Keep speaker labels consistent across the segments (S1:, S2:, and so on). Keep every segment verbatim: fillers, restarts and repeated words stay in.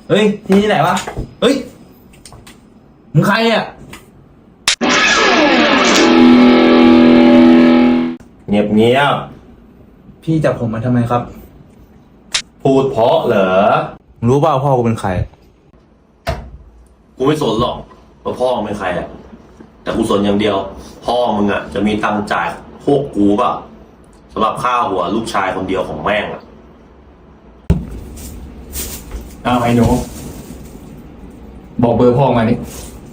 S1: เฮ้ยที่นี่ไหนวะเฮ้ยมึงใครอ่ะ
S2: เงียบเงียบ
S1: พี่จับผมมาทำไมครับ
S2: พูดเพราะเหรอ
S1: รู้เปล่าพ่อกูเป็นใคร
S2: กูไม่สนหรอกว่าพ่อมึงเป็นใครอ่ะแต่กูสนอย่างเดียวพ่อมึงอ่ะจะมีตังค์จ่ายพวกกูป่ะสำหรับค่าหัวลูกชายคนเดียวของแม่งอ่ะ
S3: อ้าวไอ้หนูบอกเบอร์พ่อมาดิ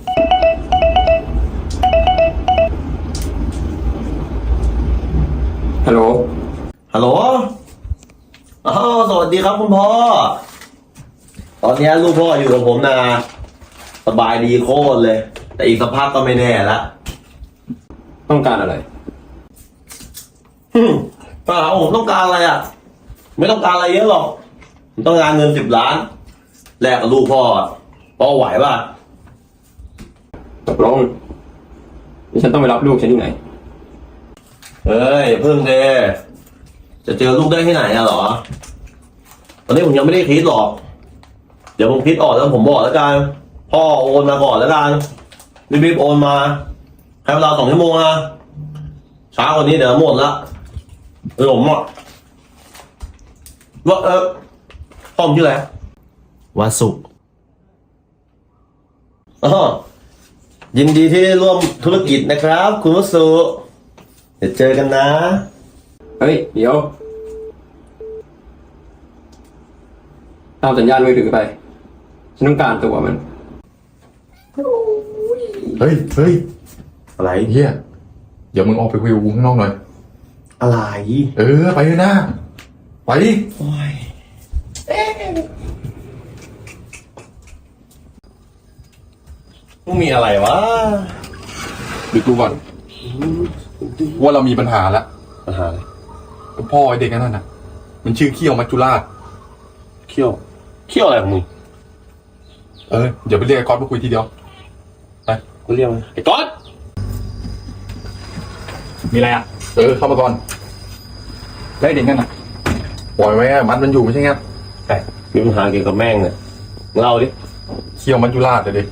S3: ฮัลโหล
S2: ฮัลโหลอ๋อสวัสดีครับคุณพ่อตอนนี้ลูกพ่ออยู่กับผมนะสบายดีโคตรเลยแต่อีกสักพักก็ไม่แน่ละ
S3: ต้องการอะไร
S2: ฮึป้าผมต้องการอะไรอ่ะไม่ต้องการอะไรเยอะหรอกผมต้องการเงินสิบล้านแลกกับลูกพ่อพ่อไหวป่ะ
S3: ตกลงนี่ฉันต้องไปรับลูกฉันที่ไหน
S2: เอ้ยเพิ่งเดจะเจอลูกได้ที่ไหนอะหรอตอนนี้ผมยังไม่ได้คิดหรอกเดี๋ยวผมคิดออกแล้วผมบอกแล้วกันพ่อโอนมาก่อนแล้วกันรีบๆโอนมาให้เวลาสองชั่วโมงนะช้ากว่านี้เดี๋ยวหมดละเออผมอ่ะว่าเออพ่อผมชื่ออะไรวาสุอ๋อยินดีที่ร่วมธุรกิจนะครับคุณวสุเดี๋ยวเจอกันนะ
S3: เฮ้ยเดี๋ยวตามสัญญาณมือถือไปฉันต้องการตัวมัน
S4: เฮ้ยเฮ้ย
S2: อะไร
S4: เฮียเดี๋ยวมึงออกไปคุยกับกูข้างนอกหน่อย
S2: อะไร
S4: เออไปเลยนะไปดิ
S2: โอ้ยมึงมีอะไรวะ
S4: ดูกูก่อนว่าเรามีปัญหาแล้ว
S2: ปัญหาอะไร
S4: พ่อไอเด็กนั่นน่ะมันชื่อเขี้ยวมัจจุราช
S2: เขี้ยวเขี้ยวอะไรของมึง
S4: เออเดี๋ยวไปเรียกไอ้ก๊อตมาคุยทีเดียวไป
S2: กูเรียกมันไอ้ก๊อต
S3: มีอะไรอ่ะ
S4: เออเข้ามาก่อน
S3: แล้วไอ้เด็กนั่นน่ะ
S4: ปล่อยไว้มัดมันอยู่ไม่ใช่ไง
S2: แต่มีปัญหาเกี่ยวกับแม่งเนี่ยเล่าดิ
S4: เขี้ยวมัจจุราชเลยดิ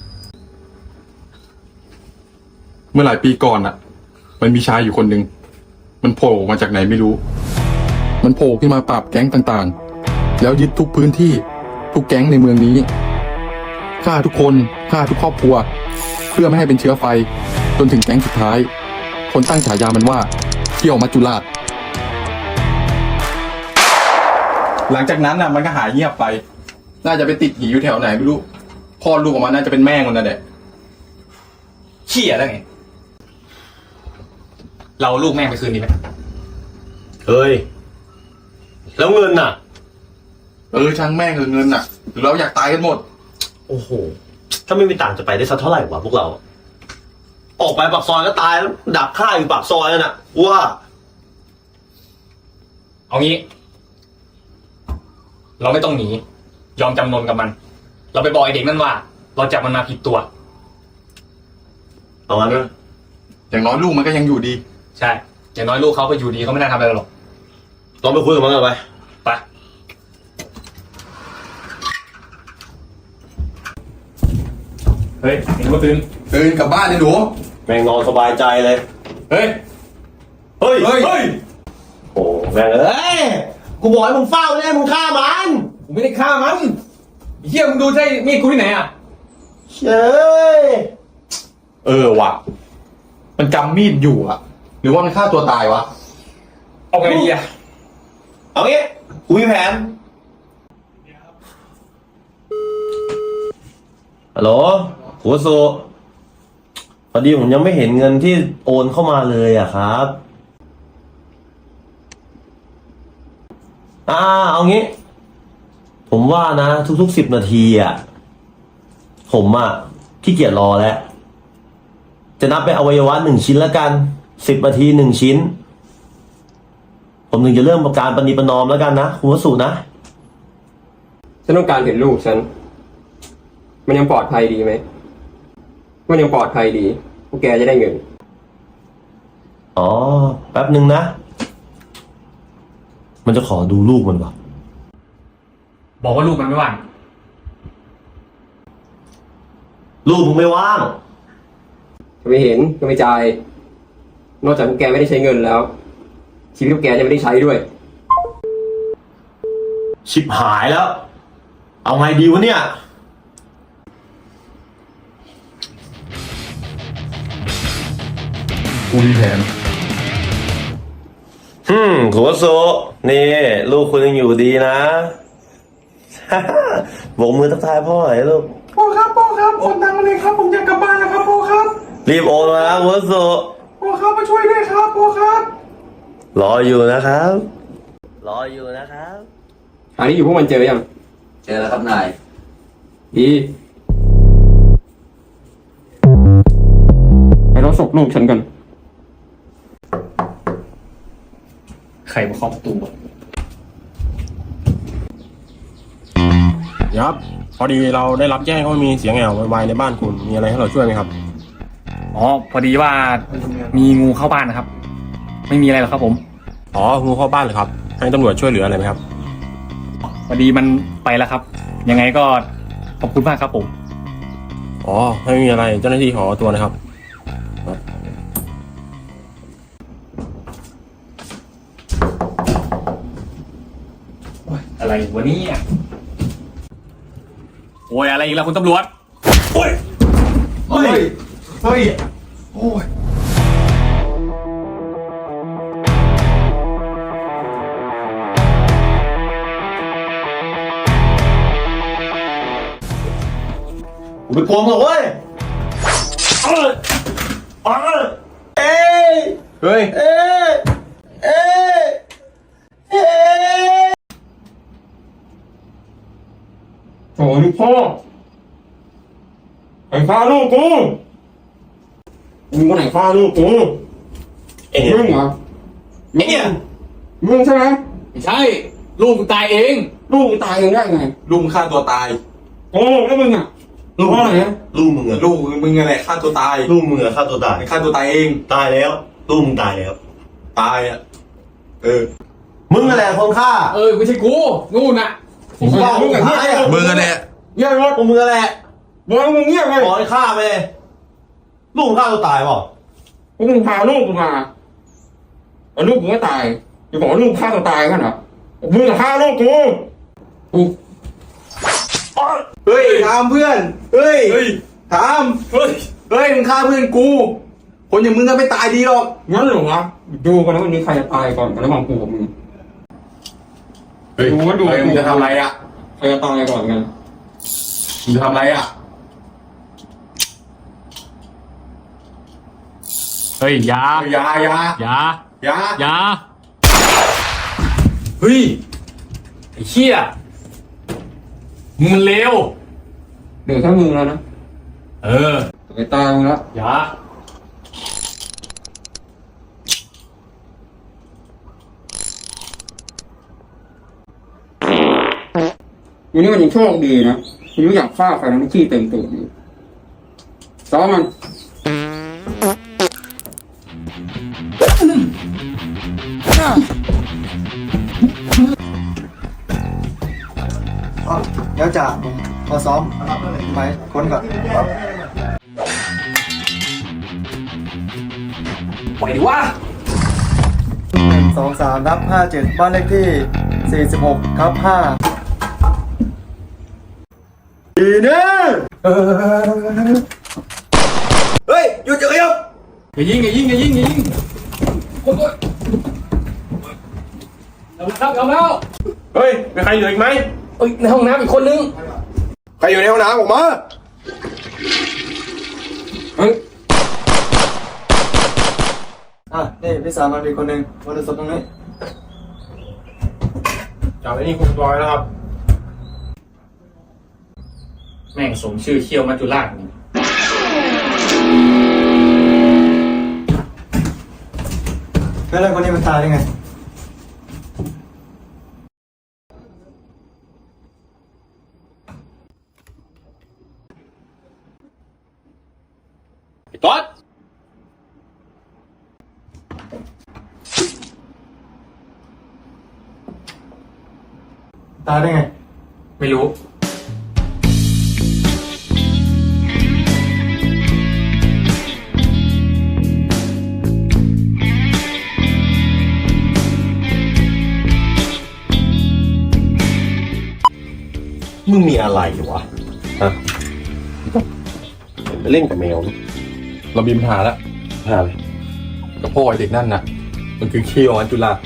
S4: เมื่อหลายปีก่อนอ่ะมันมีชายอยู่คนหนึ่งมันโผล่มาจากไหนไม่รู้มันโผล่ขึ้นมาปราบแก๊งต่างๆแล้วยึดทุกพื้นที่ทุกแก๊งในเมืองนี้ฆ่าทุกคนฆ่าทุกครอบครัวเพื่อไม่ให้เป็นเชื้อไฟจนถึงแก๊งสุดท้ายคนตั้งฉายามันว่าเขี้ยวมัจจุราชหลังจากนั้นน่ะมันก็หายเงียบไปน่าจะไปติดหีอยู่แถวไหนไม่รู้คลอดลูกออกมาน่าจะเป็นแม่มันนั่นแหละ
S3: เขี้ยแล้วไงเราลูกแม่งไปคืนดีไหม
S2: เฮ้ยแล้วเงินน่ะ
S4: เออช่างแม่งเงินน่ะหรือเราอยากตายกันหมด
S2: โอ้โหถ้าไม่มีต่างจะไปได้สักเท่าไหร่วะพวกเราออกไปปากซอยก็ตายแล้วดักฆ่าอยู่ปากซอยนั่นน่ะว่า
S3: เอางี้เราไม่ต้องหนียอมจำนนกับมันเราไปบอกไอ้เด็กนั่นว่าเราจับมันมาผิดตัว
S2: เอางั้นนะ
S4: อย่างน้อยลูกมันก็ยังอยู่ดี
S3: ใช่อย่างน้อยลูกเขาไปอยู่ดีเขาไม่น่าทำอะไรหรอก
S2: ลองไปคุยกับมันกันไป
S3: ไปเฮ้ยเห็นว่าตื่น
S4: ตื่นกลับบ้านเลยหนู
S2: แม่งนอนสบายใจเลย
S3: เฮ้ย
S2: เฮ้ย
S4: เฮ้ยเฮ้ย
S2: โอ้แม่งเอ้ยกูบอกให้มึงเฝ้าเลยมึงฆ่ามัน
S3: กูไม่ได้ฆ่ามันเฮียมึงดูใช่มีดกูที่ไหนอ่ะ
S2: เฮ้ย
S4: เออว่ะมันจำมีดอยู่อะหรือว่ามันฆ่าตัวตายวะ
S3: เอาไงดีอะ
S2: เอางี้กูมีแผนฮัลโหลหัวโซพอดีผมยังไม่เห็นเงินที่โอนเข้ามาเลยอะครับอ่าเอางี้ผมว่านะทุกๆสิบนาทีอะผมอะขี้เกียจรอแล้วจะนับเป็นอวัยวะหนึ่งชิ้นแล้วกันสิบนาทีหนึ่งชิ้นผมถึงจะเริ่มการปฏิประนอมแล้วกันนะคุณวสุนะ
S3: ฉันต้องการเห็นลูกฉันมันยังปลอดภัยดีไหมมันยังปลอดภัยดีพวกแกจะได้เงิน
S2: อ๋อแป๊บหนึ่งนะมันจะขอดูลูกมันวะ
S3: บอกว่าลูกมันไม่ว่าง
S2: ลูกมึงไม่ว่าง
S3: จะไม่เห็นก็ไม่จ่าย นอกจากพวกแกไม่ได้ใช้เงินแล้ว ชีวิตพวกแกจะไม่ได้ใช้ด้วย
S2: ชิบหายแล้ว เอาไงดีวะเนี่ย
S4: กูมีแผน
S2: ฮึมโคโซนี่ ลูกคุณยังอยู่ดีนะ โบกมือทักทายพ่อหน่อยลูก
S1: พ่อครับพ่อครับโอนตังค์มาเลยครับผมอยากกลับบ้านแล้วครับพ่อครับ
S2: รีบโอนมาโคโซ
S1: พ่อครับมาช่วยด้วยครับพ่อครับ
S2: รออยู่นะครับ รออยู่นะครับ
S3: หาที่อยู่พวกมันเจอยัง
S1: เจอแล้วครับนาย
S3: ดีไปรถศพลูกฉันกัน
S1: ใครมาเคาะประตู
S5: ครับพอดีเราได้รับแจ้งว่ามีเสียงแอววายในบ้านคุณมีอะไรให้เราช่วยไหมครับ
S6: อ๋อพอดีว่ามีงูเข้าบ้านนะครับ ไม่มีอะไรหรอกครับผม
S5: อ๋องูเข้าบ้านเลยครับให้ตำรวจช่วยเหลืออะไรไหมครับ
S6: พอดีมันไปแล้วครับ ยังไงก็ขอบคุณมากครับผม
S5: อ๋อไม่มีอะไรเจ้าหน้าที่ขอตัวนะครับ
S6: อะไรวันนี้โอ้ยอะไรอีกแล้วคุณตำรวจโอ้ย
S1: เฮ้ยเฮ้ยโอ้ย
S2: กูไปกลัวมึงหรอกเว้ยเอ้ยเอ้ยเอ้ย
S5: เฮ้ย
S2: เอ้ยเอ้ยเอ้ย
S3: โถ่ลูกพ่อไอ้ฆ่าลูกกูมึงก็ไหนฆ่าลูกกู
S2: ไอ้เนี่ย
S3: มึงเหรอ
S2: ไอ้เนี่ย
S3: มึงใช่ไหม
S6: ไม่ใช่ ลูกกูตายเอง
S3: ลูกมึงตายเองได้ไง
S7: ลุงฆ่าตัวตาย
S3: โอ้แล้วมึงอ่ะ
S2: ลูก
S3: เพราะอะไรนะ
S2: ลูกมึงอะ
S7: ลูกมึงอะไรฆ่าตัวตาย
S2: ลูกมึงอะฆ่าตัวตาย
S7: ฆ่าตัวตายเอง
S2: ตายแล้ว ลูกมึงตายแล้ว
S7: ตายอ่ะ เออ
S2: มึงอะไรคนฆ่า
S6: เออไม่ใช่กูนู่นน่ะ
S2: ผมบอกมึงกับเฮีย
S7: มึงอะแหละ
S3: เงียบรถ
S2: มึงอะไร
S3: บอกมึงเงียบไง
S2: บอกให้ฆ่าไปเลยลูกมึงฆ่าตัวตายเปล่า
S3: พวกมึงพาลูกกูมาแล้วลูกกูก็ตายจะบอกว่าลูกฆ่าตัวตายกันเหรอมึงฆ่าลูกกูกู
S7: เฮ้ยถามเพื่อน เฮ้ย
S6: เฮ้ย
S7: ถาม
S6: เฮ้ย
S7: เฮ้ย มึงฆ่าเพื่อนกู คนอย่างมึงก็ไม่ตายดีหรอก
S3: งั้นเหรอวะดูกันนะวันนี้ใครจะตายก่อนกันระหว่างกูกับมึง
S5: เฮ้ย
S3: ดูว่าดู
S5: เฮ้ยมึงจะทำอะไรอ่ะ
S3: ใครจะตายก่อนกัน
S5: มึงจะทำอะไรอ่ะ
S6: เฮ้ยอยา
S5: อยาอยา
S6: อยา
S5: อยา
S6: อยาเฮ้ยไอ้เหี้ยมึงมันเลว
S3: เหลือแค่มึงแล้วนะ
S6: เออ
S3: ไปตายมึงแล้ว
S6: อยา
S3: วันนี้มันยังโชคดีนะมันไม่อยากฆ่าใครนะมันขี้เต็มตัวอยู่ซ้อมมัน
S1: เดี๋ยวจ่าผมมาซ้อมไปค้นก่อน
S6: ปล่อยดิวะ
S1: หนึ่งสองสามทับห้าเจ็ดบ้านเลขที่สี่สิบหกทับห้าดีเนี่ยเฮ้ยหยุดหยุดหยุด
S6: อย่ายิงอย่ายิงอย่ายิงอย่ายิงโอ้ยเอาแล้วครับเอาแล้ว
S5: เฮ้ยมีใครอยู่อีกไหม
S6: เอ้ยในห้องน้ำอีกคนนึง
S5: ใครอยู่ในห้องน้ำออกมา
S3: เฮ้ย
S1: อ่ะนี่พี่สาวมาดีคนหนึ่งมาดูศพตรงนี้
S5: จับไอ้นี่คุมตัวไว้นะครับ
S6: แม่งสมชื่อเคี่ยวมัจจุราชนี่
S1: แล้วเรื่องคนนี้มันตายได้ไง
S6: ไอ้ก๊อต
S1: ตายได้ไง
S6: ไม่รู้
S2: มึงมีอะไรวะฮะไปเล่นกับแมวนี่
S4: เรามีปัญหาแล้ว
S2: หาเลย
S4: กับพ่อไอเด็กนั่นน่ะ มันคือขี้ของอันจุฬา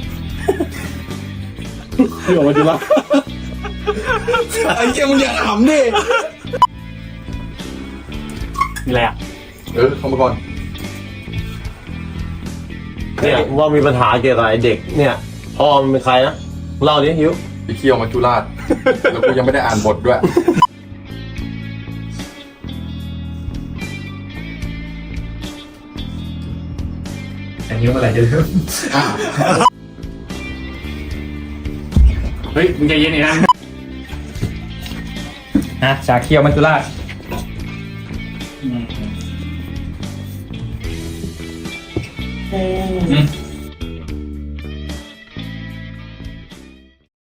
S2: พี่บอกว่าจุฬา
S4: ไอ้เจ้ามึงอย่าขำดิ
S6: มีอะไรอ่ะ
S4: เออเข้ามาก่อน
S2: เนี่ยว่ามีปัญหาเกี่ยวกับไอ้เด็กเนี่ยพ่อมันเป็นใครนะเล่าดิฮิว
S4: ไปเคี่ยวมัจจุราช แล้วกูยังไม่ได้อ่านบทด้วย
S6: อันนี้เมื่อไหร่จะเริ่มเฮ้ย มึงใจเย็นหน่อยนะฮะชาเคียวมัจจุราชอืมอืม